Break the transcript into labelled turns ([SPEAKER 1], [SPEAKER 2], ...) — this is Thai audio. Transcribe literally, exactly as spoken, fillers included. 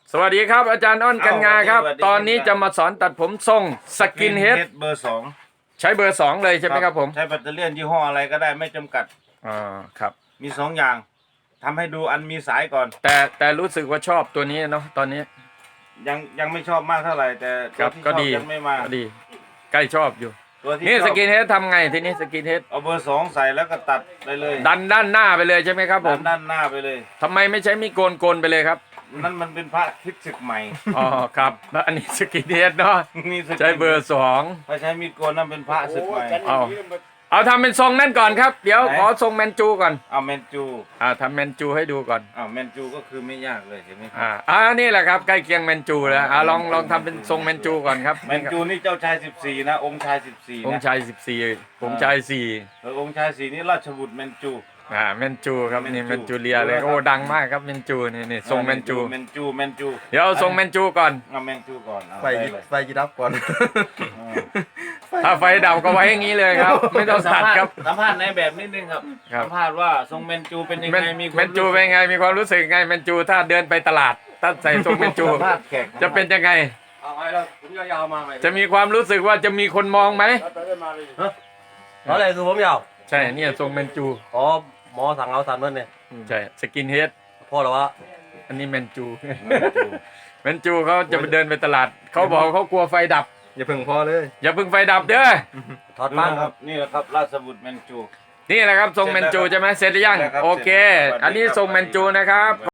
[SPEAKER 1] สวัสดีครับอาจารย์อ้อนกันงาครับ ตอนนี้จะมาสอนตัดผมทรงสกินเฮด
[SPEAKER 2] เบอร์สอง
[SPEAKER 1] ใช้เบอร์สองเลยใช่ไหมครับผม
[SPEAKER 2] ใช้แบตเตอรี่ยี่ห้ออะไรก็ได้ไม่จำกัด
[SPEAKER 1] อ่าครับ
[SPEAKER 2] มีสองอย่างทำให้ดูอันมีสายก่อน
[SPEAKER 1] แต่แต่รู้สึกว่าชอบตัวนี้เนาะตอนนี้
[SPEAKER 2] ยังยังไม่ชอบมากเท่าไหร่แต่
[SPEAKER 1] ครั
[SPEAKER 2] ตัว
[SPEAKER 1] บ
[SPEAKER 2] ที่ช
[SPEAKER 1] ก็
[SPEAKER 2] อบ
[SPEAKER 1] ดี
[SPEAKER 2] ยังไม่มา
[SPEAKER 1] ก็ดีใกล้ชอบอยู่
[SPEAKER 2] ตัวที่
[SPEAKER 1] นี่
[SPEAKER 2] ช
[SPEAKER 1] ส
[SPEAKER 2] อบ
[SPEAKER 1] กินเฮดทำไงทีนี้สกินเฮด
[SPEAKER 2] เอาเบอร์สองใส่แล้วก็ตัดไปเลย
[SPEAKER 1] ดันด้านหน้าไปเลยใช่ไหมครับผ
[SPEAKER 2] ด้าน
[SPEAKER 1] ม
[SPEAKER 2] ด้านหน้าไปเลย
[SPEAKER 1] ทำไมไม่ใช้มีดโกนโกนไปเลยครับ
[SPEAKER 2] นั่นมันเป็นพระคิดศึกใหม่
[SPEAKER 1] อ๋อครับแล้วอันนี้สกินเฮดเนาะ
[SPEAKER 2] นี่สกิน
[SPEAKER 1] ใช้เบอร์สอง
[SPEAKER 2] ถ้าใช้มีดโกนนั่นเป็นพระศึกใหม่
[SPEAKER 1] เอาเอาทำเป็นทรงนั่นก่อนครับเดี๋ยว
[SPEAKER 2] ไหน
[SPEAKER 1] ขอทรงแมนจูก่อน
[SPEAKER 2] เอาแมนจู
[SPEAKER 1] อ่าทำแมนจูให้ดูก่อน
[SPEAKER 2] เอาแมนจูก็คือไม่ยากเลยเห็นไหมครับ
[SPEAKER 1] อ่าอ่านี่แหละครับใกล้เคียงแมนจูแล้วอ่าลองลองทำเป็นทรงแมนจูก่อนครับ
[SPEAKER 2] แมนจูนี่เจ้าชายสิบสี่นะองค์ชายสิบสี่
[SPEAKER 1] อง
[SPEAKER 2] นะ
[SPEAKER 1] ค์ชายสิบสี่องค์ชายสี่
[SPEAKER 2] เออองค์ชายสี่นี่ราชบุตรแมนจู
[SPEAKER 1] อ่าแมนจูครับนี่
[SPEAKER 2] แม
[SPEAKER 1] แม
[SPEAKER 2] น
[SPEAKER 1] น
[SPEAKER 2] จู
[SPEAKER 1] จูเรียเลย
[SPEAKER 2] ดูเลยครับ
[SPEAKER 1] โอ้ดังมากครับแมนจูนี่นี่ทรงแมนจู
[SPEAKER 2] แมนจูแมนจู
[SPEAKER 1] เดี๋ยวเอาทรงแมนจูก่อน
[SPEAKER 2] เอาแมนจูก่อนเอา
[SPEAKER 3] ไฟ
[SPEAKER 2] ด้เลย
[SPEAKER 3] ไฟยีรับก่อน
[SPEAKER 2] เออ
[SPEAKER 1] ถ้าไฟดับก็ไว้อย่างนี้เลยครับ ไม่ต้องตัดครับ
[SPEAKER 2] สัมภาษณ์ในแบบนิดนึงครับ
[SPEAKER 1] ครับ
[SPEAKER 2] สัมภาษณ์ว่าทรงแมนจูเป็นยัง
[SPEAKER 1] แมน
[SPEAKER 2] ไงมีควา
[SPEAKER 1] แมนจูเป็นไงมีความรู้สึกไงแมนจูถ้าเดินไปตลาดถ้าใส่ทรงแมนจู
[SPEAKER 2] สัมภาษณ์แขก
[SPEAKER 1] จะเป็นยังไง
[SPEAKER 3] เอาไว้แล้วผมยาวๆมาไหม
[SPEAKER 1] จะมีความรู้สึกว่าจะมีคนมองไหม
[SPEAKER 3] เพราะอะไรคือผมยาว
[SPEAKER 1] ใช่เนี่ยทรงแมนจู
[SPEAKER 3] อ๋อหมอสั่งเอาสามเดือนเนี่ย
[SPEAKER 1] ใช่สกินเฮด
[SPEAKER 3] พ่อเหรอวะ
[SPEAKER 1] อันนี้แมนจู
[SPEAKER 2] แมนจู
[SPEAKER 1] แมนจูเขาจะไปเดินไปตลาดเขาบอกเขากลัวไฟดับ
[SPEAKER 3] อย่าเพิ่งพอเลย
[SPEAKER 1] อย่าเพิ่งไฟดับเด้อ
[SPEAKER 3] ถอด
[SPEAKER 2] ดู
[SPEAKER 3] บ้าง
[SPEAKER 2] นะ
[SPEAKER 3] ค
[SPEAKER 2] ค
[SPEAKER 3] รั
[SPEAKER 2] รับ บนี่แหละครับราชบุตรแมนจู
[SPEAKER 1] นี่แหละครับทรงแมนจูใช่ไหมเสร็จหรือยัง
[SPEAKER 2] เสร็จแล้วครับ
[SPEAKER 1] โอเค
[SPEAKER 2] เสร็จแล้ว
[SPEAKER 1] อันนี้
[SPEAKER 2] สวัสดีครับ
[SPEAKER 1] ทรงแมนจูนะครับ